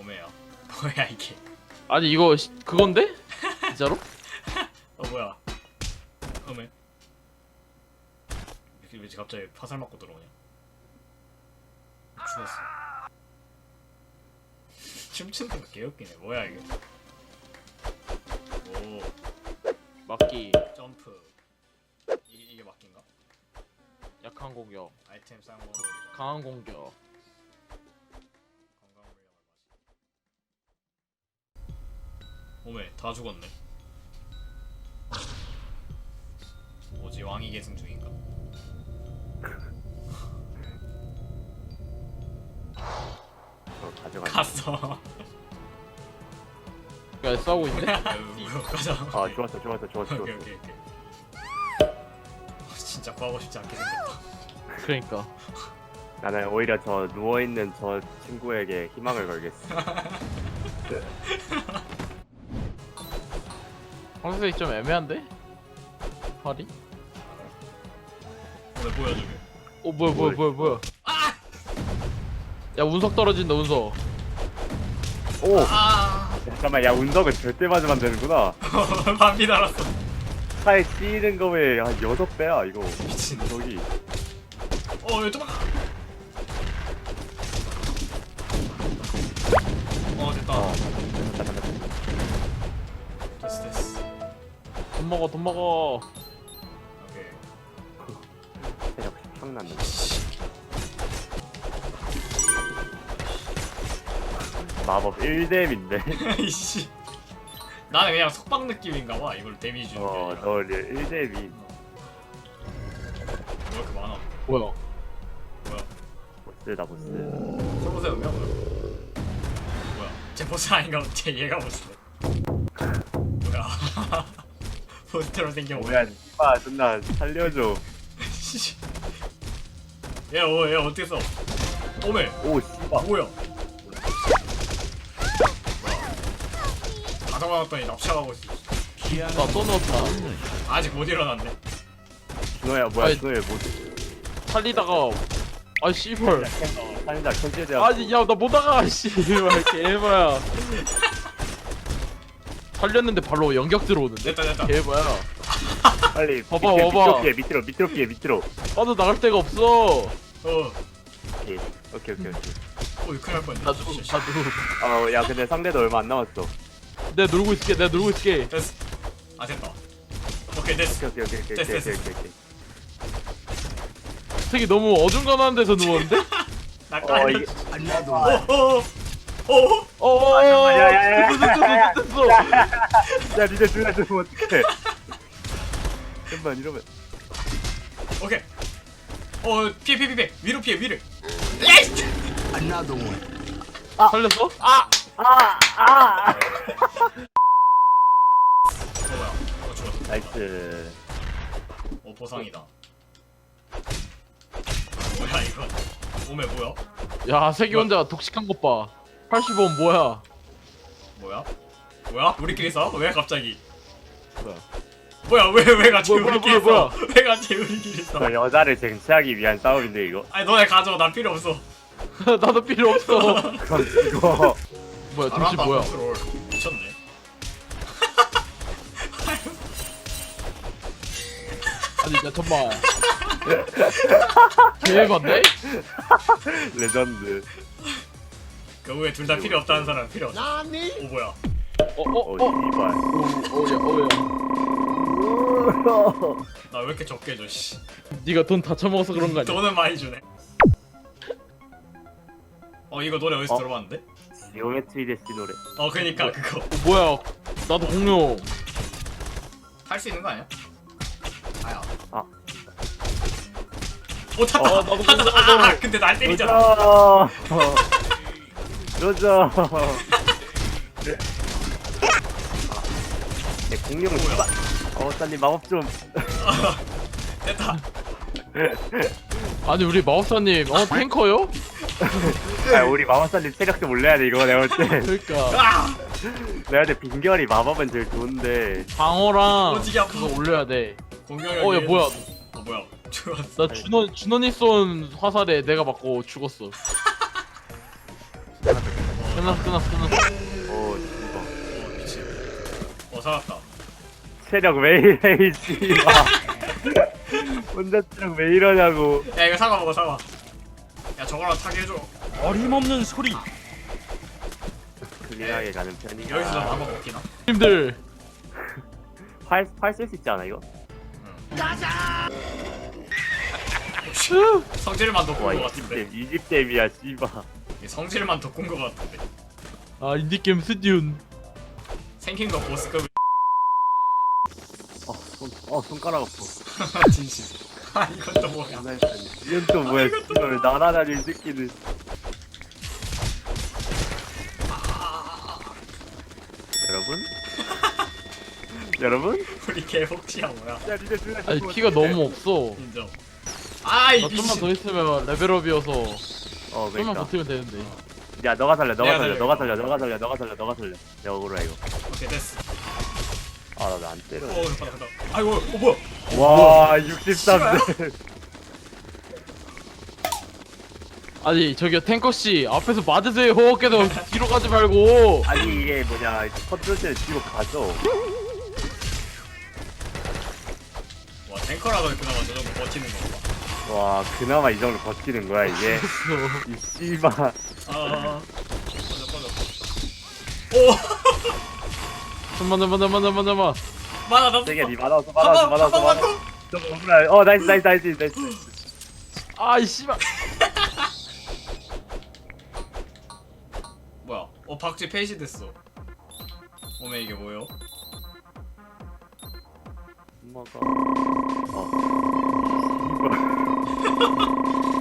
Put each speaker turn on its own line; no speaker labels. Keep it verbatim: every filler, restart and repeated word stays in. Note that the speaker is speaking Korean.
오메야. 뭐야 이게?
아니 이거 시, 그건데? 진짜로?
어 뭐야? 오메. 왜, 왜 갑자기 화살 맞고 들어오냐? 죽었어. 춤추는 거 개웃기네. 뭐야 이게? 오
막기
점프. 이, 이게 막긴가?
약한 공격
아이템 사용 방법이죠.
강한 공격
건강 물량을 마시. 오메 다 죽었네. 뭐지 왕이 계승 중인가?
어, 가져가.
갔어.
야 싸우고 있네?
아유, 가자.
아 좋았어 좋았어 좋았어
오케이
좋았어.
오케이 오케이. 진짜 구하고 싶지 않게 생겼다.
그러니까
나는 오히려 저 누워 있는 저 친구에게 희망을 걸겠어.
황색이 좀 애매한데? 팔이?
오메 뭐야 저게?
어 뭐야 뭐야 뭐야 뭐야 야 운석 떨어진다 운석
오
아
잠깐만 야 운석은 절대 맞으면 안 되는구나.
반비 달았어.
차에 찌는 거에 한 여섯 배야 이거.
미친.
운석이.
어 여기 도망가. 어 됐다.
어. 됐다 됐다 됐다.
됐어 됐어.
돈 먹어 돈 먹어
오케이.
체력 확 났네. 마법 일 뎀인데.
이씨. 나는 그냥 속박 느낌인가봐. 이걸 데미지 주는 게
어,
아니라.
너 일 뎀이.
왜 이렇게 많아?
뭐야
뭐야?
보스다 보스.
솔로 세우면 뭐야? 뭐야? 쟤 보스 아닌가? 쟤 얘가 보스네. 뭐야? 보스처럼 생겨.
뭐야, 니마 존나 살려줘.
씨. 얘, 어, 얘 어떻게 써? 오메.
오, 씨발.
뭐야? 다 잡아놨더니 납치하고 있어.
나 떠넣었다
아직 못 일어났네.
준호야, 뭐야,
아니,
준호야, 뭐.
살리다가 아 씨발
살린다, 천재대야.
아니 야 나 못나가 씨발 개봐야 살렸는데 바로 연격 들어오는데
됐다 됐다.
개봐야
빨리.
봐봐,
밑에,
봐봐.
밑으로 피해, 밑으로, 밑으로 피해, 밑으로.
나도 나갈 데가 없어
어.
오케이, 오케이, 오케이. 오케이.
어, 큰일 날 뻔했네.
나도
씨, 씨.
나도
어, 야, 근데 상대도 얼마 안 남았어.
내가 놀고 있을게 내가 놀고 있을게
됐어. 아 됐다. 오케이 됐어.
오케이, 오케이, 오케이,
됐어,
오케이,
됐어.
오케이, 오케이.
되게 너무 어중간한 데서 누웠는데?
나
어,
깔려.
이게.
어, 어, 어.
어어어
야, 야, 야, 야.
됐어 됐어 됐어
야, 니네 둘다 죽으면 어떡해. 잠깐만, 이러면.
오케이. 어, 피해 피해 피해. 위로 피해 위를.
살렸어? 아!
어 뭐야? 어 죽었어.
나이스.
어 보상이다. 뭐야 이거? 오메 뭐야?
야 세기 혼자 독식한 것봐 팔십 원 뭐야
뭐야? 뭐야? 우리끼리 싸워? 왜 갑자기?
뭐야
뭐야 왜 왜 같이
뭐야,
우리끼리
뭐야,
싸워? 왜 같이 우리끼리 싸워?
저 여자를 쟁취하기 위한 싸움인데, 이거.
아니 너네 가져. 난 필요 없어.
나도 필요 없어
그럼 이거.
뭐야
알아,
도시 뭐야
컨트롤. 미쳤네.
아니 야 잠깐만 개해봤네?
레전드.
결국에 둘 다 필요 없다는 사람 필요 없어. 오 뭐야?
어,
어어어
씨발.
어야 어야
나 왜 이렇게 적게 줘? 씨.
니가 돈 다 처먹어서 그런 거 아니야?
돈은 많이 주네. 어 이거 노래 어디서
어?
들어봤는데?
지오메트리 데스 노래.
어 그니까 그거
어, 뭐야 나도 공룡
할 수 있는 거 아니야? 아야.
아.
오 탔다.
어, 나도
탔다.
그거
아, 아
나도.
근데 날 때리잖아.
로저. 로저. 내 공룡은
뭐야?
씨발. 어, 딴님 마법 좀.
됐다.
아니 우리 마법사님 어 탱커요?
아, 우리 마법사님 체력 좀 올려야 돼 이거 내가 볼 때.
그러니까
아
내가 볼 때 빈결이 마법은 제일 좋은데.
방어랑
어지게 아파.
그거 올려야 돼
공격력.
어 야 뭐야
어 뭐야? 죽었어.
나 준원 준원이 쏜 화살에 내가 맞고 죽었어. 끝났어 끝났어 끝났어.
오 씨발.
어 미친. 어 살았다.
체력 왜 이래 이 씨발. 혼자 체력 왜 이러냐고.
야 이거 사과 먹어 사과. 야 저거랑 타게 해줘.
어림없는 소리.
클린하게 가는 편이야.
여기서 나 나만 먹히나?
님들
활활 쓸 수 있지 않아 이거?
성질만 더
와
꾼 거 같은데.
이집 이집 댐이야 씨발.
이 성질만 더 꾼 거 같은데.
아 인디게임 스디운.
생긴 거 보스급.
어손어 손가락 아파.
진심. 아 이건 또 뭐야?
이건 또 뭐야 씨발 나나다닐 새끼는. 여러분? 여러분?
우리 개복치야 뭐야?
야 니네 둘다
아니 키가 너무 없어.
인정. 아이
나 좀만
미친.
더 있으면 레벨업이어서
어
좀만
그러니까.
버티면 되는데.
야 너가 살려 너가
내가
살려
살려.
너가 살려 너가 살려 너가 살려 너가 살려. 야 억울해 이거.
오케이 됐어.
아나 안 때려.
어 잠깐 잠깐. 아이고 어 뭐야?
와 육십삼 대.
아니 저기요 탱커씨 앞에서 맞으세요. 계속 뒤로 가지 말고.
아니 이게 뭐냐 컨트롤 뒤로 가죠.
와 탱커라도 그나마 저 정도 버티는 건가?
와 그나마 이 정도 버티는 거야 이게. 이 씨발.
아. 꺼져 꺼져. 오.
잠만 잠만 잠만 잠만 잠만.
만화 나.
되게 니 많아서 많아서 많아서 많아서. 좀 억울해. 어 나이스 나이스 나이스 나이스.
아이 씨발.
뭐야? 어 박쥐 페이시 됐어. 오메 이게 뭐요?
엄마가. 어. 씨발.